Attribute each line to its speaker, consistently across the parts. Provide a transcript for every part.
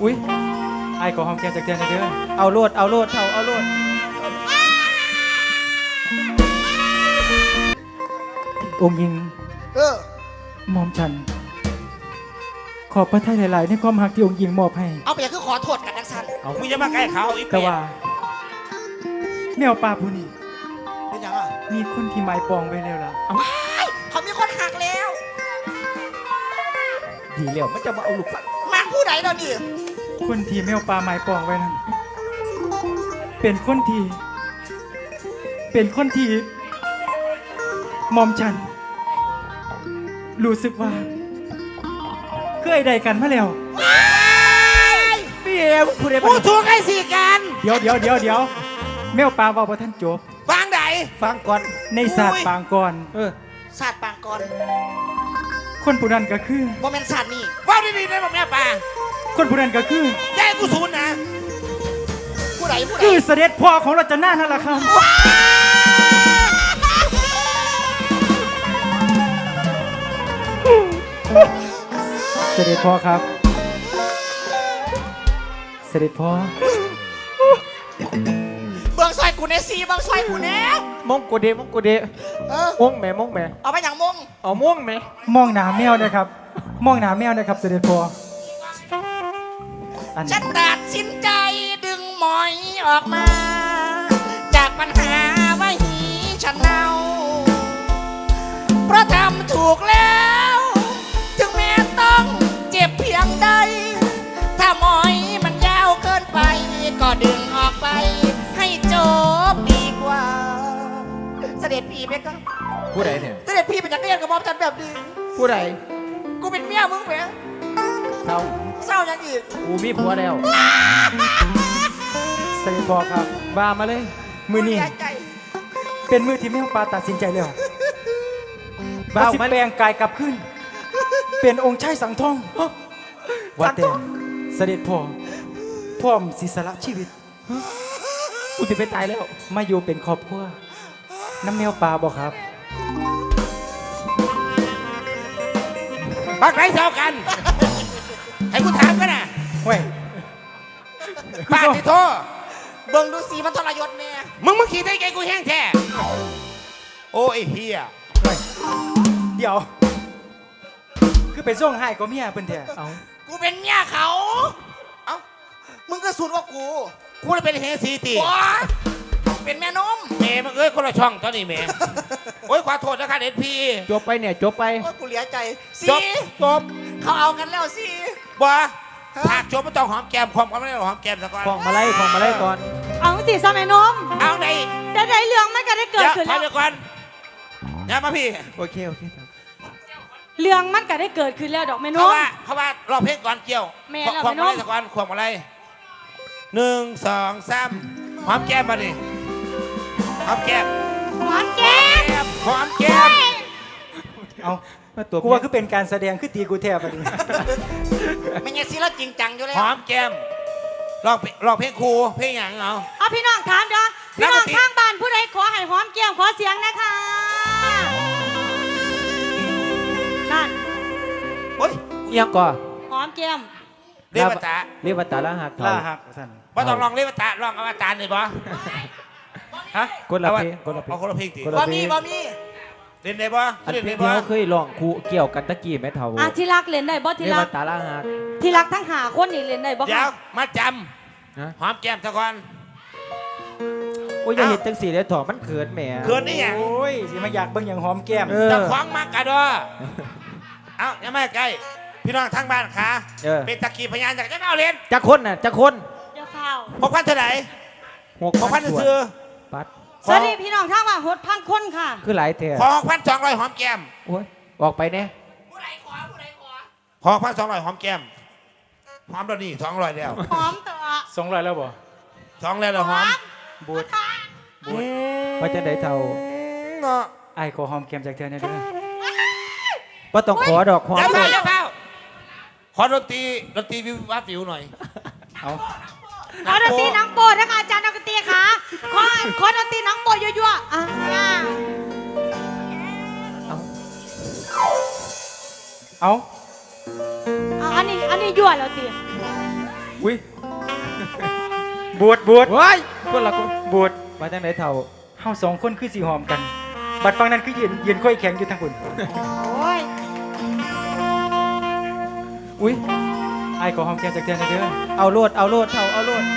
Speaker 1: อุ้ยไอ้ขอหอมแก้มจากเดือนเด้อ
Speaker 2: เอาโลดเอาโลดเท่าเอาโลด
Speaker 1: องค์หญิงหม่อมฉันขอบพระทัยหลายๆในความหักที่องค์หญิงมอบให้
Speaker 3: เอาไปอย่างคือขอโทษกันนักสัน
Speaker 4: เอามึงจะมาใกล้เขาอีก
Speaker 1: แต่ว่าแมวป่าผู้นี้
Speaker 3: เป็นยังอ่ะ
Speaker 1: มีคนที่หมายปองไว้แล้วล่ะ
Speaker 3: เขามีคนหักแล้ว
Speaker 2: ดีแล้วมันจะมาเอาลูกฟัง
Speaker 3: มันผู้ใดเราดิ
Speaker 1: คนที่แมวป่าหมายปองไว้นั้นเป็นคนที่หม่อมฉันรู้สึกว่าเคยได้กันมาแล้ว
Speaker 2: พี่เอ๋ผู้ใด
Speaker 3: ผู้ชูงไอ้สี่กัน
Speaker 1: เดี๋ยวแมวป่าบอกว่าท่านจบ
Speaker 3: ฟังไหน
Speaker 2: ฟังก่อน
Speaker 1: ในศาสตร์ปางก่อน
Speaker 3: ศาสตร์ปางก่อน
Speaker 1: คนผู้นั้นก็คือ
Speaker 3: โมเมนต์ศาสตร์นี่ว่าดีๆได้บอกแม่ป่า
Speaker 1: คนผู้นั้นก็คือ
Speaker 3: แย่กูศูนย์นะผู้ใด
Speaker 1: คือเสด็จพ่อของรัชนานั่นแหละครับเสด็จพ่อครับเสด็จพ่อ
Speaker 3: เบิ้งซอยกูเนซีเบิ้งซอยกูเน
Speaker 2: มงกูเดมงกูเดมงแม่
Speaker 3: เอาไปอย่างมง
Speaker 2: เอามงแม่
Speaker 1: มองหนาแมวนะครับมองหนาแมวนะครับเสด็จพ่อ
Speaker 3: ฉันตัดสินใจดึงหมอยออกมาจากปัญหาว่าหีฉันเน่าเพราะทำถูกแล้วถึงแม้ต้องเจ็บเพียงใดถ้าหมอยมันยาวเกินไปก็ดึงออกไปให้จบดีกว่าเสด็จพี่ไหมครับ
Speaker 2: ผู้ใดเนี่ย
Speaker 3: เสด็จพี่เป็นจักรยานกับมอมฉันแบบนี้
Speaker 2: ผู้ใด
Speaker 3: กูเป็นเมียมึงไหม
Speaker 2: เศร้า
Speaker 3: ยังอีก
Speaker 2: กูมีผัวแล้ว
Speaker 1: เสด็จพ่อครับ
Speaker 2: บ้ามาเลย
Speaker 1: มือนี้เป็นมือที่แมวป่าตัดสินใจแล้วบ้าแปลงกายกลับขึ้นเป็นองค์ชายสังทองว่าแต่เสด็จพ่อพร้อมศิสละชีวิต
Speaker 2: กูจะไปตายแล้ว
Speaker 1: มาอยู่เป็นครอบครัวน้ำแมวป่าบอกครับ
Speaker 4: ปักไหนเท่ากันให้กูถามกันนะ
Speaker 1: เว้ย
Speaker 4: ป้าที่โทษ
Speaker 3: เบิ่งดูสีมันทรยศเนี่ย
Speaker 4: มึงขี่ได้ไงกูแห้งแท้โอ้ยเฮีย
Speaker 1: เดี๋ยวคือเป็นช่วงให้ก็เมียเพิ่นแท้
Speaker 3: กูเป็นเมียเขาเอ้ามึงก็สูดว่ากู
Speaker 4: เลยเป็นเฮซีตี
Speaker 3: เป็นแม่นม
Speaker 4: เมย์มึงคนละช่องตอนนี้เมย์โอ้ยขอโทษนะคะเด็ดพี่
Speaker 2: จบไปเนี่ยจบไป
Speaker 3: โอ้ยกูเหลียใจ
Speaker 4: จบ
Speaker 3: เขาเอากันแล้วสิ
Speaker 4: บัวหากจบไม่ต้องหอมแก้มความก็ไม่ได้หอมแก้มสักก่อน
Speaker 2: ของมาไล่ก่อน
Speaker 5: เอาสิสมัยนม
Speaker 4: เอาไหน
Speaker 5: ได้เรื่องมันก็ได้เกิดขึ้นแล้ว
Speaker 4: เดี๋ยวก่อนอย่ามาพี่
Speaker 2: โอเค
Speaker 5: เรื่องมันก็ได้เกิดขึ้นแล้วดอกแม่นม
Speaker 4: เขาว่ารอเพลงก่อนเกี่ยวความอะไรสักก่อนความอะไร1 2 3หอมแก้มมาดิหอมแก้ม
Speaker 1: เอากูว่าคือเป็นการแสดงคือตีกูแทบไปดิ
Speaker 3: ไม่ใช่สิเราจริงจังอยู่แล้ว
Speaker 4: หอมแก้มลองเพลงครูเพลงอย่าง
Speaker 5: เอาพี่น้องถามเด้อพี่น้องข้างบ้านผู้ใดขอให้หอมแก้มขอเสียงนะคะนั่น
Speaker 4: โอ้ย
Speaker 2: ยังก่อ
Speaker 5: หอมแก้ม
Speaker 4: เรียก
Speaker 2: ว่าตาล่าหัก
Speaker 1: สั่น
Speaker 4: ว่าต้องลองเรียกว่าตาลองอวตารหน่อยบ่
Speaker 1: ฮะ
Speaker 2: คนละเพลง
Speaker 4: เอาคนละเพลงตี
Speaker 3: บ่มี
Speaker 4: เล่นได้บ่
Speaker 2: เล่นได้บ่เคยลองคู่เกี่ยวกันตะกี้แม่เฒ่า
Speaker 5: ที่รักเล่นได้บ่ที่รัก
Speaker 2: ตาล่าหัก
Speaker 5: ที่รักทั้งหาคนนี่เล่นได้บ่
Speaker 4: เดี๋ยวมาจำหอมแก้มซะก่อน
Speaker 2: โอ้ยอย่าเห็นจังสีเลยถอดมันเขินแหม
Speaker 4: เขินนี่อย่าง
Speaker 1: โอ้ยสิมาอยากเบิ่งอย่างหอมแก้ม
Speaker 4: จะคว้างมากกะดอเอาอย่ามาใกล้พี่น้องทางบ้านขาเป็นตะกี้พยานจากเจ้าเอาเล่น
Speaker 2: จะคนน่ะจะคน
Speaker 5: เดี๋ยวเฝ้า
Speaker 4: 6,000เท่าไหร่6,000ซื้อ
Speaker 2: ปัด
Speaker 5: สวัสดีพี่น้องทางบ้าน6,000คนค่ะ
Speaker 2: คือหลายเท่
Speaker 4: ขอ6,200หอมแก้ม
Speaker 2: โอ้ยออกไปเนี่ย
Speaker 3: ผู้ใดขอ
Speaker 4: 6,200หอมแก้มหอมตอนนี้200แล้ว
Speaker 5: หอมตัว
Speaker 1: 200แล้วบ่
Speaker 4: 2แล้วหอม
Speaker 1: บูด
Speaker 2: ว่าจะได้เท่า
Speaker 1: ไอ้ขอหอมแก้มจากเธอเนี่ยเด้อ
Speaker 2: ว่าต้องขอดอกหอม
Speaker 4: ขอดนตรีวิววัดวิวหน่อย
Speaker 5: ขอดนตรีน้องโปรดนะคะอาจารย์ดนตรีค่ะขอดนตรีน้องโปรดยั่ว
Speaker 1: เอา
Speaker 5: อันนี้ยั่วแล้วตี
Speaker 2: อุ้ย
Speaker 1: บวช
Speaker 2: ว้ายคนละคน
Speaker 1: บวช
Speaker 2: มาจังไหนเท่า
Speaker 1: เฮาสองคนคือสิหอมกัน บัดฟังนั้นคือยืนค่อยแข็งอยู่ทางคุณ
Speaker 5: โอ้ย
Speaker 2: อุ้ย
Speaker 1: ไอ้ายขอหอมแก้มจากเทือนหน่อยเด้อ
Speaker 2: เอาโลดเท่าเอาโลด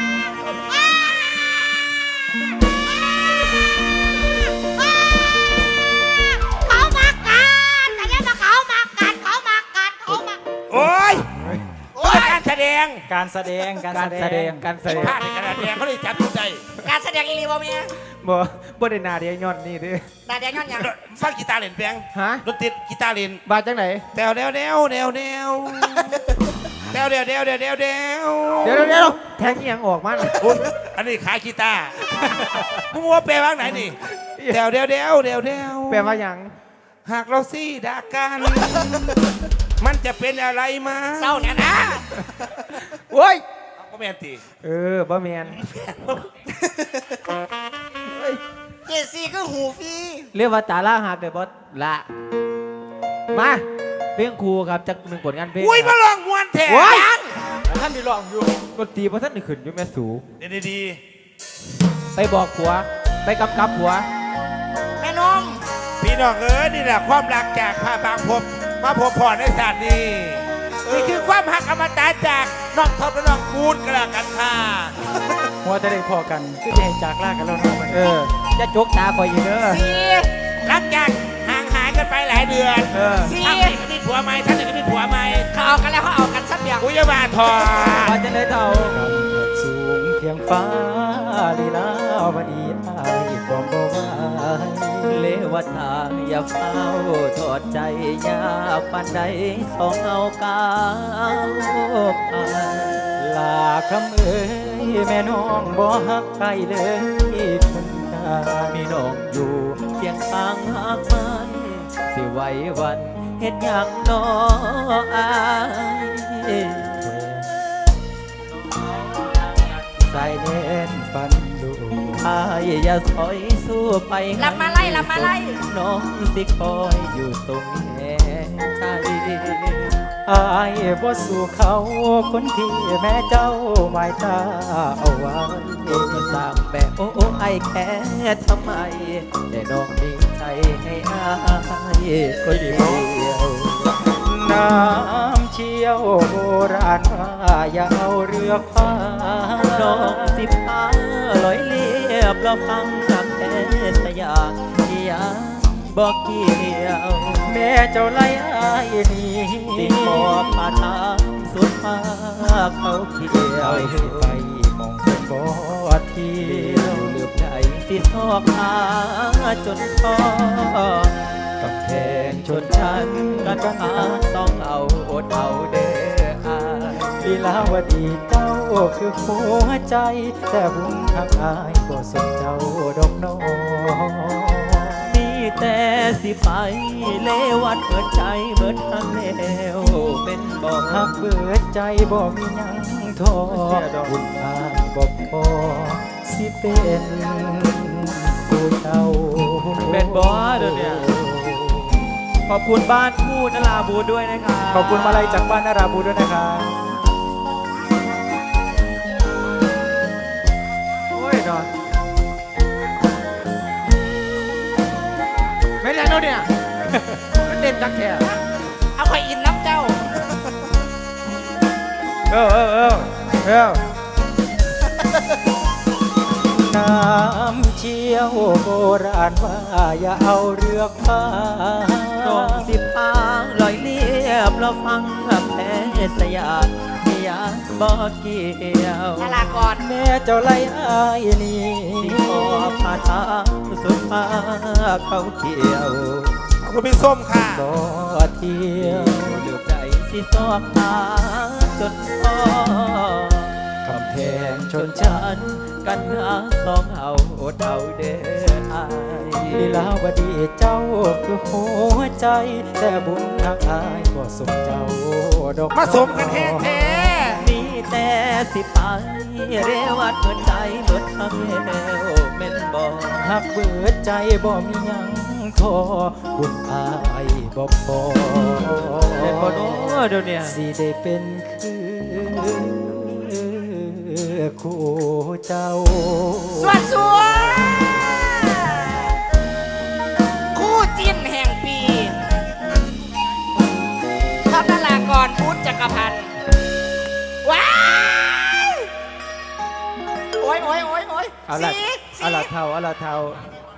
Speaker 5: เขามากันแต่ยังมาเขามากันเขามากันเขามา
Speaker 4: โอ้ยการแสดง
Speaker 1: การแสดง
Speaker 2: การแสดง
Speaker 4: พลาดในการแสดงเขาเลยจับทุกใจ
Speaker 3: การแสดงอีลีบ่เมีย
Speaker 2: บ่ได้นาเดียย้อนนี่เด้อ
Speaker 3: ดาแดงย้อนหยัง
Speaker 4: ฟังกีตาร์เล่นแปลง
Speaker 2: ฮะ
Speaker 4: ดนตรีกีตาร์เล่น
Speaker 2: มาจังไหน
Speaker 4: แนวแนวแนวแนวแนวแนวแนวแนวแนวแนวแนว
Speaker 2: เดี๋ยวแทงอีหยังออกมา
Speaker 4: อุ๊ยอันนี้ขายกีตาร์มึงว่าแปลว่าไหนนี่แนวแนวแนวแนวแนว
Speaker 2: แปลว่าหยัง
Speaker 4: หากเราซี่ด่ากัน มันจะเป็นอะไรมา
Speaker 3: เศร้าเนี่ยนะ
Speaker 2: โอ้ย
Speaker 4: ก็แม่นตี
Speaker 2: บ่แมน
Speaker 3: เจซี่คือหูฟรี
Speaker 2: เรียกว่าตาล่าหักเลยบอสละมาเพลงครูครับจากหนึ่งผลงานเพลง
Speaker 4: อุ้ย
Speaker 2: ค
Speaker 4: มา
Speaker 2: รับ
Speaker 4: ลองมวนแทน
Speaker 2: โอ้ย
Speaker 1: ท่านได้ลองอยู่
Speaker 2: ดนตรีเพราะท่านได้ขึ้นอยู่แม่สู
Speaker 4: ดี
Speaker 2: ไปบอกผัว ไปกำกับผัว
Speaker 3: แม่นม
Speaker 4: ๆพี่น้องเอ้ยนี่แหละความรักจากพาบางพบมาพบพรในศาสตร์นี้นี่คือความหักอมตะจากน้องทบและน้องบูดกระกันค่ะ
Speaker 1: หัวจะได้พอกันคือจะให้จากลากันแล้วเนาะมัน
Speaker 2: จะจกตาคอยอีกเด้อ
Speaker 3: สี่
Speaker 4: หลังจากห่างหายกันไปหลายเดือน
Speaker 3: สี่
Speaker 4: ท่านหนึ่งก็มีผัวใหม่ท่านหนึ่งก็มีผัวใหม่
Speaker 3: เขาเอากันแล้วเขาเอากันสักอย่าง
Speaker 4: อุ้ยบาทอ
Speaker 2: มาจังไหนเท่า
Speaker 1: สูงเพียงฟ้าลีลาวดีอายความบ่ไหว
Speaker 2: เลวทางอย่าเฝ้าทอดใจยากปานใดสองเอากาวไป
Speaker 1: ลาคำเอ้ยแม่น้องบ่ฮักใครเลยคนตา
Speaker 2: มีน้องอยู่เพียงข้างหักมันสิไหววันเฮ็ดหยังน้ออายใส่เน้นปันดูอายอย่าถอยสู้ไป
Speaker 3: ลำมาไล่ลำมาไล่
Speaker 2: น้องสิคอยอยู่ตรงแห่ใจ
Speaker 1: อายบ่สู่เขาคนที่แม่เจ้าหมายตาเอาไว้
Speaker 2: สร้างแบบโอ้ไอแค่ทำไม แต่น้องมีใจให้อายคนเดียว
Speaker 1: น้ำเชี่ยวโบราณว่าอย่าเอาเรือพา
Speaker 2: น้องสิพาลอยเลียบเราฟังกับแค่สยามที่ยังบอกเกี่ยว
Speaker 1: แม่เจ้าไล่อายหนี่
Speaker 2: สิขอผ่าทางสุดฟ้าเขาเขียว
Speaker 1: เอาสิไปมองเป็นบ่เที่
Speaker 2: เดี
Speaker 1: ย
Speaker 2: ยว วลืมใจสิซอกหาจนพอกำแพงชนชั้นกันหาต้องเอาอดเอาเด้ออาย
Speaker 1: ลีลาวดีเจ้าคือหัวใจ แต่บุญทักอายก็สมเจ้าดอกน้อง
Speaker 2: มีแต่สิไปเลวัดเปิดใจเบิดทางแล้วเป็นบอก
Speaker 1: หักเบิดใจบ่มีหยังทอบุญอายบ่พอสิเป็นผู้เจ้า
Speaker 2: เป็นบอสเดี๋ยวนี้ขอบคุณบ้านคู่นราบูด้วยนะครับ
Speaker 1: ขอบคุณมาลัยจากบ้านนาราบูด้วยนะครับ
Speaker 2: โอ้ยนอนไม่แล้วเนาะเนี่ยมันเด่นจักแค่
Speaker 3: เอาคอยอินน้ำเจ้า
Speaker 1: น้ำเชี่ยวโบราณว่าอย่าเอาเรือพา
Speaker 2: น้องสิพาลอยเลียบเราฟังกับแพ้สยามที่ยังบอกเกี่ยว
Speaker 3: นาลาก่อน
Speaker 1: แม่เจ้าไล่อายหนี่
Speaker 2: สิขอผ่าทางสุดฟ้าเขาเขียว
Speaker 4: ขอบคุณพี่ส้มค่ะ
Speaker 1: บ่เที่ยว
Speaker 2: เหลือบใจสิซอกหาจนพอกำแพงชนชั้นกันหาสองเอาอดเอาเด้ออาย
Speaker 1: ลีลาวดีเจ้าคือหัวใจ แต่บุญทักอายก็สมเจ้าดอก
Speaker 4: มาสมกันแท้แท้
Speaker 2: มีแต่สิไปเรวัดเหมือนใจเหมือนทำแล้วเม่นบอก
Speaker 1: หักเบิดใจบ่มีหยังทอบุญอายบ่พอ
Speaker 2: เป็นบอโน้เดี๋ยวเนี่ย
Speaker 1: สิได้เป็นคือ
Speaker 2: คู่เจ้า
Speaker 3: สวดสวดคู่จิ้นแห่งปีท็อปนารากรพุทธจักรพันธ์ว้ายโอ้ย
Speaker 2: เอาละ
Speaker 3: สี
Speaker 2: เอาละเท่าเอาละเท่า